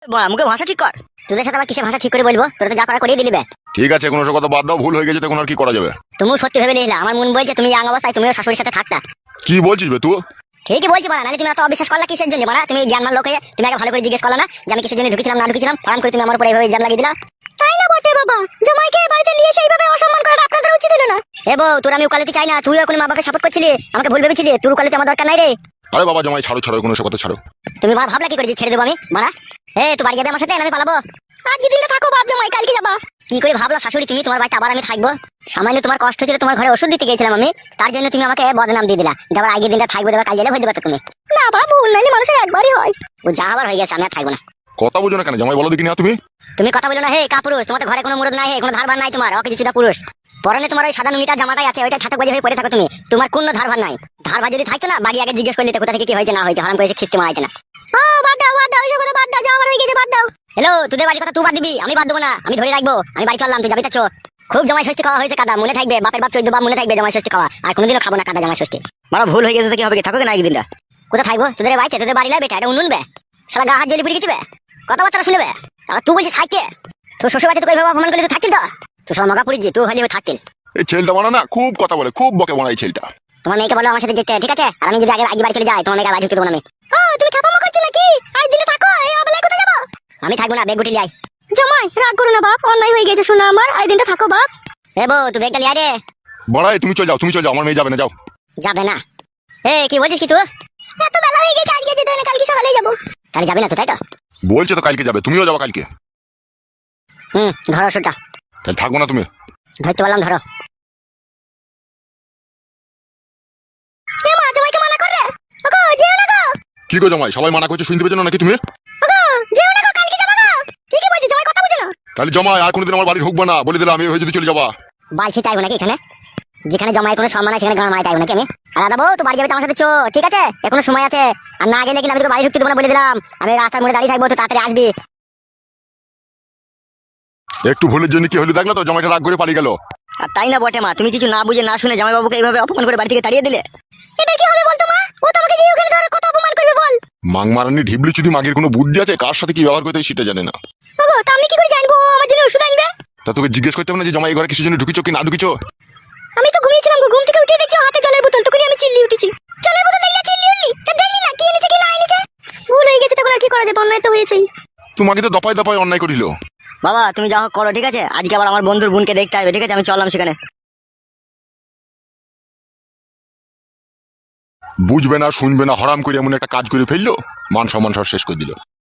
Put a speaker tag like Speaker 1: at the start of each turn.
Speaker 1: বড়া মুখে ভাষা ঠিক কর। তোদের সাথে আবার কিসে ভাষা ঠিক করে বলবো? তোরা তো যা করা করিয়ে দিলিবে।
Speaker 2: ঠিক আছে, কোনো কথা বাদ দাও, ভুল হয়ে গেছে, তখন আর কি করা যাবে?
Speaker 1: তুমিও সত্যি ভেবে নিলে আমার মন বলছে তুমি ইয়াং অবস্থায় তুমিও শাশুড়ির সাথে থাকতা।
Speaker 2: কি বলছিস বে তুই?
Speaker 1: ঠিকই বলছি বাড়া, নাহলে তুমি এত অবিশ্বাস করলা কিসের জন্য বাড়া? তুমি জ্ঞানমান লোক হয়ে তুমি আগে ভালো করে জিজ্ঞেস করলা না যে আমি কিসের জন্য ঢুকেছিলাম না ঢুকেছিলাম? ফারাম করে তুমি আমার উপরে এইভাবে ইলজাম লাগিয়ে দিলা। তাই না বটে বাবা, জামাইকে বাড়িতে নিয়ে এসে এইভাবে অসম্মান করাটা আপনাদের উচিত হলো না। এ বউ, তোর আমি উকালতি চাই না, তুই এখন মা বাবাকে সাপোর্ট করছিলি, আমাকে ভুল ভেবেছিলি, তোর উকালতি আমার দরকার নাই রে।
Speaker 2: আরে বাবা জামাই ছাড়ো ছাড়ো, কোনো কথা ছাড়ো।
Speaker 1: তুমি বাড়া ভাবলা কি করে যে ছেড়ে দেবো আমি বাড়া? তুই বাড়ি যাবে আমার সাথে, আমি পালাবো? আজকে দিনটা থাকো বাপ জামাই, কালকে যাবা। কি করে ভাবলো শাশুড়ি তুমি তোমার বাড়িতে আবার আমি থাকবো? সামান্য তোমার কষ্ট ছিল, তোমার ঘরে ওষুধ দিতে গেছিলাম আমি, তার জন্য তুমি আমাকে বদনাম দিয়ে দিলা। আবার আগে দিনটা থাকবো, দেবা কাল গেলে হয়ে দেবে তো তুমি। না বাবু, নাইলে মানুষের একবারই হয়। ও যা আবার হয়ে গেছে, আমি আর থাকবো না।
Speaker 2: কথা বুঝো না কেন জামাই, বলো দেখি না তুমি।
Speaker 1: তুমি কথা বলো না হে কাপুরুষ, তোমাদের ঘরে কোনো মুরদ নাই, কোনো ধারবার নাই তোমার, অকে কিছুটা পুরুষ। পরনে তোমার ওই সাদা নুঙ্গিটা জামাটাই আছে, ওইটা ঠাটক বাজে হয়ে পড়ে থাকো তুমি, তোমার কোনো ধারবার নাই। ধারবার যদি থাকতো না বাড়ি আগে জিজ্ঞেস করলে কোথা থেকে কি হয়েছে না হয়েছে, হারাম করেছে খিস্তি মারাইতে না। বাদ দাও বাদ দাও, ওইসব কথা বাদ দাও, যা আমার হয়ে গেছে বাদ দাও। হ্যালো, তোদের বাড়ির কথা তুই বাদ দিবি, আমি বাদ দেবো না, আমি ধরে রাখবো, আমি বাড়ি চললাম, তুই যাবি তো। খুব জামাই ষষ্ঠী খাওয়া হয়েছে কাদা, মনে থাকবে, বাপের বাপ 14 বাপ মনে থাকবে জামাই ষষ্ঠী খাওয়া, আর কোনোদিনও খাবো না কাদা জামাই ষষ্ঠী। মারা ভুল হয়ে গেছে তো কি হবে, থাকো না একদিনটা। কোথায় থাকবো? তোদের বাড়িতে, তোদের বাড়ি লাগবে, এটা উনুনবে, শালা গা হাত জ্বলি পুড়ে গেছে, কথাবার্তা শুনবে। তুই বলছিস থাকতে, তোর শ্বশুর বাড়িতে তোকে এইভাবে অপমান করলে তুই থাকতিল তো? তুই সব মগা পুড়ি, তুই হলে থাকতিল।
Speaker 2: এই ছেলেটা বানা না, খুব কথা বলে, খুব বকে বানা এই ছেলেটা।
Speaker 1: তোমার মেয়েকে বলো আমার সাথে যেতে, ঠিক আছে? আর আমি যদি আগে বাড়ি চলে যাই, তোমার মেয়েকে বাড়ি ঢুকতে দেবো না আমি। তুমি ঠাপামা করছো নাকি? আজ দিনে থাকো, এই অবেলায় কোথায় যাবো? আমি থাকবো না, বেগ গুটি লিয়ে আই। জামাই রাগ করো না বাপ, অন্যায় হয়ে গেছে শোনা আমার, আজ দিনটা থাকো বাপ। বউ, তুই বেগটা লিয়ে আয় রে।
Speaker 2: বড়াই তুমি চলে যাও, তুমি চলে যাও, আমার মেয়ে যাবে না, যাও।
Speaker 1: যাবে না? কি বলছিস কি তুই? এত বেলা হয়ে গেছে, আজকে যেতে হয় না, কালকে সকালেই যাবো। তাহলে যাবে না তো, তাই তো?
Speaker 2: বলছে তো কালকে যাবে, তুমিও যাবে কালকে।
Speaker 1: ধরো ওষুধটা।
Speaker 2: তাহলে থাকবো না তুমি?
Speaker 1: ধরতে বললাম ধরো। জামাইকে মানা কর রে। ওগো যেও না গো।
Speaker 2: কি গো জামাই, সবাই মানা করছে, শুনতে পেছো না নাকি তুমি?
Speaker 1: ওগো যেও না গো, কালকে যাবা গো। কি বলছিস জামাই, কথা বুঝো না?
Speaker 2: তাহলে জামাই আর কোনোদিন আমার বাড়ি ঢুকবো না, বলে দিলাম, আমি হয়ে যদি চলে যাবা।
Speaker 1: বালছি তাইবো নাকি এখানে? যেখানে জমায় কোনো সম্মান আছে সেখানে গান মারাই তাইবো নাকি আমি? আর দাদা বউ, তুই বাড়ি যাবে তো আমার সাথে চো, ঠিক আছে? এখনো সময় আছে, আর না গেলে কিন্তু আমি তোকে বাড়ি ঢুকতে দেবো না বলে দিলাম। আমি রাস্তার মোড়ে দাঁড়িয়ে থাকবো, তো তাড়াতাড়ি আসবি।
Speaker 2: একটু ভুলের জন্য কি হলো দেখলে তো, জামাইটা রাগ করে পালিয়ে গেল।
Speaker 1: আর তাই না বটে মা, তুমি কিছু না বুঝে না শুনে জামাই বাবুকে এইভাবে অপমান করে বাড়ি থেকে তাড়িয়ে দিলে। এবার কি হবে বলতো মা? ও তো আমাকে যে ওখানে ধরে কত অপমান করবে বল।
Speaker 2: মাংমারানি ঢিবলি চুদি মাগের কোনো বুদ্ধি আছে, কার সাথে কি ব্যবহার করতে হয় সেটা জানে না।
Speaker 1: ওগো তা আমি কি করে জানবো আমার জন্য ওষুধ আনবে?
Speaker 2: তা তোকে জিজ্ঞেস করতে হবে না যে জামাই এই ঘরে কিসের জন্য ঢুকিছো কি না ঢুকিছো?
Speaker 1: আমি তো ঘুমিয়েছিলাম গো, ঘুম থেকে উঠে দেখছি হাতে জলের বোতল, তখনই আমি চিল্লি উঠেছি। জলের বোতল দেখলে চিল্লি উঠলি? তা দেখলি না কি এনেছে কি না এনেছে? ভুল হয়ে গেছে, তখন আর কি করা যাবে, অন্যায় তো হয়েছেই।
Speaker 2: তোমাকে তো দপায় দপায় অন্যায় করিল।
Speaker 1: বাবা তুমি যা হোক করো, ঠিক আছে? আজকে আবার আমার বন্ধুর বোনকে দেখতে হবে, ঠিক আছে? আমি চললাম সেখানে।
Speaker 2: বুঝবে না শুনবে না, হরাম করে এমন একটা কাজ করে ফেললো, মান সম্মান সব শেষ করে দিল।